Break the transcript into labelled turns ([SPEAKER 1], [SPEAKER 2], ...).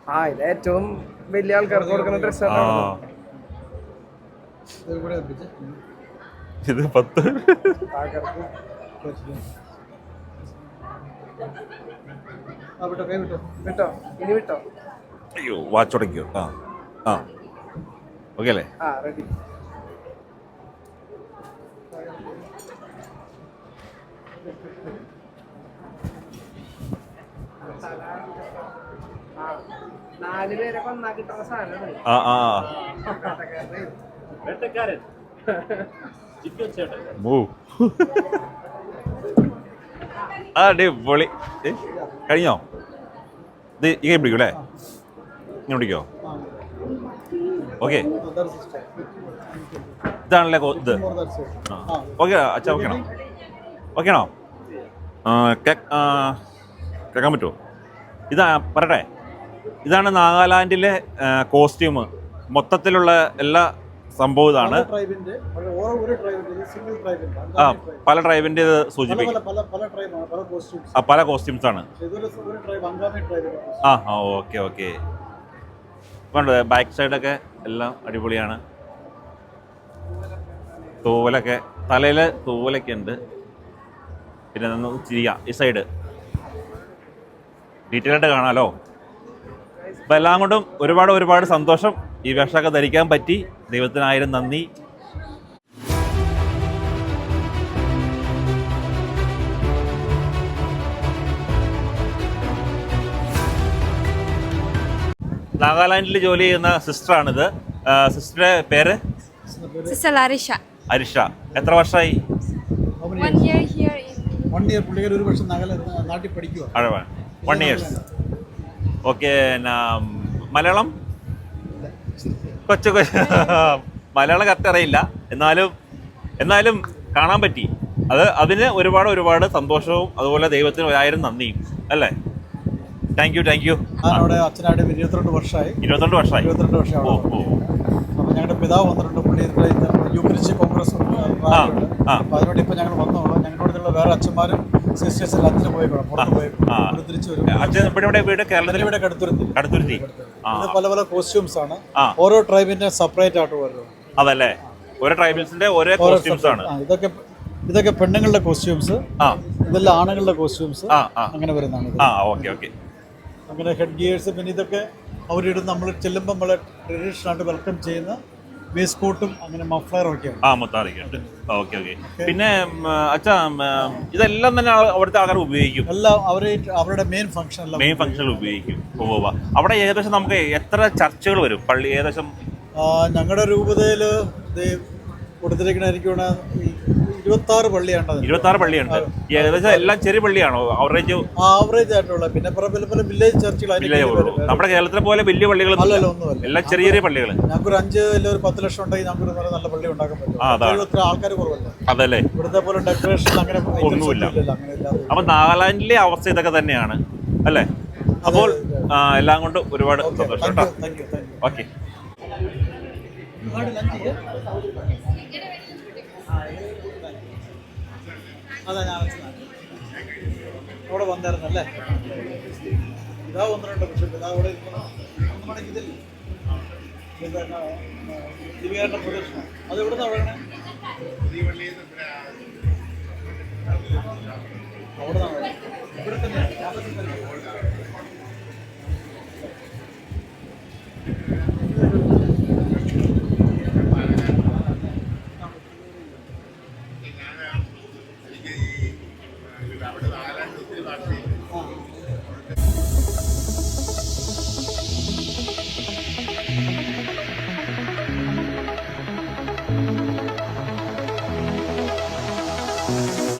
[SPEAKER 1] ഇത് ഏറ്റവും വലിയ ആൾക്കാർക്ക് കൊടുക്കുന്ന ഡ്രസ്സാണ്.
[SPEAKER 2] ഇത് 10.
[SPEAKER 1] വിട്ടോ ഇനി വിട്ടോ.
[SPEAKER 2] അയ്യോ വാച്ച് ഉടയ്ക്കോ? ആ ഓക്കെ അല്ലേ?
[SPEAKER 1] റെഡി. നാല് പേരെ കൊന്നാ കിട്ടുന്ന സാധനമാണ്.
[SPEAKER 2] അടിപൊളി. കഴിഞ്ഞോ? ഇത് ഈ പിടിക്കും അല്ലേ? ഇങ്ങനെ പിടിക്കോ? ഓക്കെ, ഇതാണല്ലേ ഇത്. ഓക്കെ അച്ഛാ, ഓക്കെ ആണോ? ഓക്കെ ആണോ? കേൾക്കാൻ പറ്റുമോ? ഇതാ പറയട്ടെ, ഇതാണ് നാഗാലാൻഡിലെ കോസ്റ്റ്യൂം. മൊത്തത്തിലുള്ള എല്ലാ സംഭവം ഇതാണ്. പല ട്രൈബിന്റെ ഇത് സൂചിപ്പിക്കും. പല കോസ്റ്റ്യൂംസ് ആണ്. Okay okay. വേണ്ട ബാക്ക് സൈഡൊക്കെ എല്ലാം അടിപൊളിയാണ്. തൂവലൊക്കെ, തലയിൽ തൂവലൊക്കെ ഉണ്ട്. പിന്നെ ചിരിയ ഈ സൈഡ് ഡീറ്റെയിൽ ആയിട്ട് കാണാമല്ലോ. അപ്പം എല്ലാം കൊണ്ടും ഒരുപാട് സന്തോഷം. ഈ വേഷമൊക്കെ ധരിക്കാൻ പറ്റി. ദൈവത്തിന് 1000 നന്ദി. നാഗാലാൻഡിൽ ജോലി ചെയ്യുന്ന സിസ്റ്ററാണിത്. സിസ്റ്ററുടെ പേര് അരിഷ. എത്ര വർഷമായി?
[SPEAKER 3] 1 year here in
[SPEAKER 4] 1 year. പുള്ളിക്കാർ ഒരു വർഷം നാട്ടിൽ പഠിക്കുക.
[SPEAKER 2] 1 years. ഓക്കെ. മലയാളം കൊച്ചു മലയാളം കറക്റ്റ് അറിയില്ല. എന്നാലും കാണാൻ പറ്റി. അതിന് ഒരുപാട് സന്തോഷവും അതുപോലെ ദൈവത്തിന് 1000 നന്ദിയും അല്ലേ. Thank you.
[SPEAKER 4] അവിടെ അച്ഛനായിട്ട് 22 വർഷമായി.
[SPEAKER 2] 22 വർഷമായി.
[SPEAKER 4] അപ്പോൾ ഞങ്ങളുടെ പിതാവ് വന്നിട്ടുണ്ട്. പുള്ളി യൂക്രിച്ച് കോൺഗ്രസ് അപ്പോൾ അതിനോട് ഇപ്പോൾ ഞങ്ങൾ വന്നോളൂ. ഞങ്ങളുടെ വേറെ അച്ഛന്മാരും സിസ്റ്റേഴ്സ് അച്ഛന് പോയിക്കോളാം. തിരിച്ചു വരും.
[SPEAKER 2] അച്ഛൻ ഇവിടെ വീട് കേരളത്തിൽ
[SPEAKER 4] ഇവിടെ കടുത്തുരുത്തി. ഇത് പല കോസ്റ്റ്യൂംസ് ആണ്. ഓരോ ട്രൈബിന്റെ സെപ്പറേറ്റ് ആയിട്ട് വരും.
[SPEAKER 2] അതല്ലേ, ഓരോ ട്രൈബൽസിന്റെ ഓരോ കോസ്റ്റ്യൂംസ് ആണ്.
[SPEAKER 4] ഇതൊക്കെ പെണ്ണുങ്ങളുടെ കോസ്റ്റ്യൂംസ്, ഇതെല്ലാം ആണുങ്ങളുടെ കോസ്റ്റ്യൂംസ്. അങ്ങനെ വരുന്നതാണ്.
[SPEAKER 2] ഓക്കെ.
[SPEAKER 4] അങ്ങനെ ഹെഡ് ഗിയേഴ്സ്. പിന്നെ ഇതൊക്കെ അവരിടുന്ന, നമ്മൾ ചെല്ലുമ്പോൾ നമ്മളെ ട്രഡീഷണലായിട്ട് വെൽക്കം ചെയ്യുന്ന വേസ്റ്റ് കോട്ടും അങ്ങനെ മഫ്ലറും ഒക്കെയാണ്.
[SPEAKER 2] മുത്താറിക്കുണ്ട്. ഓക്കെ. പിന്നെ അച്ഛാ, ഇതെല്ലാം തന്നെ അവിടുത്തെ ആൾക്കാർ ഉപയോഗിക്കും.
[SPEAKER 4] എല്ലാം അവരുടെ മെയിൻ ഫംഗ്ഷനിൽ
[SPEAKER 2] ഉപയോഗിക്കും. അവിടെ ഏകദേശം നമുക്ക് എത്ര ചർച്ചകൾ വരും? പള്ളി ഏകദേശം
[SPEAKER 4] ഞങ്ങളുടെ രൂപതയിൽ കൊടുത്തിരിക്കുന്ന എനിക്ക് 26 പള്ളിയാണ്.
[SPEAKER 2] 26 പള്ളിയുണ്ട്. ഏകദേശം എല്ലാം ചെറിയ പള്ളിയാണോ?
[SPEAKER 4] ആവറേജ് ആയിട്ടുള്ള. പിന്നെ പല വില്ലേജ് ചർച്ചുകൾ.
[SPEAKER 2] നമ്മുടെ കേരളത്തിലെ പോലെ വലിയ പള്ളികളൊന്നും എല്ലാം ചെറിയ പള്ളികൾ.
[SPEAKER 4] ഞങ്ങൾക്ക് 5 അല്ലെങ്കിൽ 10 ലക്ഷം ഉണ്ടെങ്കിൽ ഞങ്ങൾക്ക് നല്ല പള്ളി ഉണ്ടാക്കാൻ പറ്റും. ആൾക്കാർ കുറവല്ല.
[SPEAKER 2] അതല്ലേ,
[SPEAKER 4] ഇവിടുത്തെ പോലെ ഡെക്കറേഷൻ അങ്ങനെ
[SPEAKER 2] ഒന്നുമില്ല. അപ്പൊ നാഗാലാൻഡിലെ അവസ്ഥ ഇതൊക്കെ തന്നെയാണ് അല്ലേ. അപ്പോൾ എല്ലാം കൊണ്ട് ഒരുപാട് സന്തോഷം കേട്ടോ. ഓക്കെ.
[SPEAKER 4] അതാ ഞാൻ അവിടെ വന്നായിരുന്നല്ലേ. ഇതാ 1-2 പക്ഷേ ഇതാ അവിടെ ഇതില്ലേ ദിവ്യാരുടെ പ്രദർശനം. അത് എവിടുന്ന അവിടെയാണ്? അവിടെ നിന്നാണ്. ഇവിടെ തന്നെ ക്യാമ്പസിൽ തന്നെ.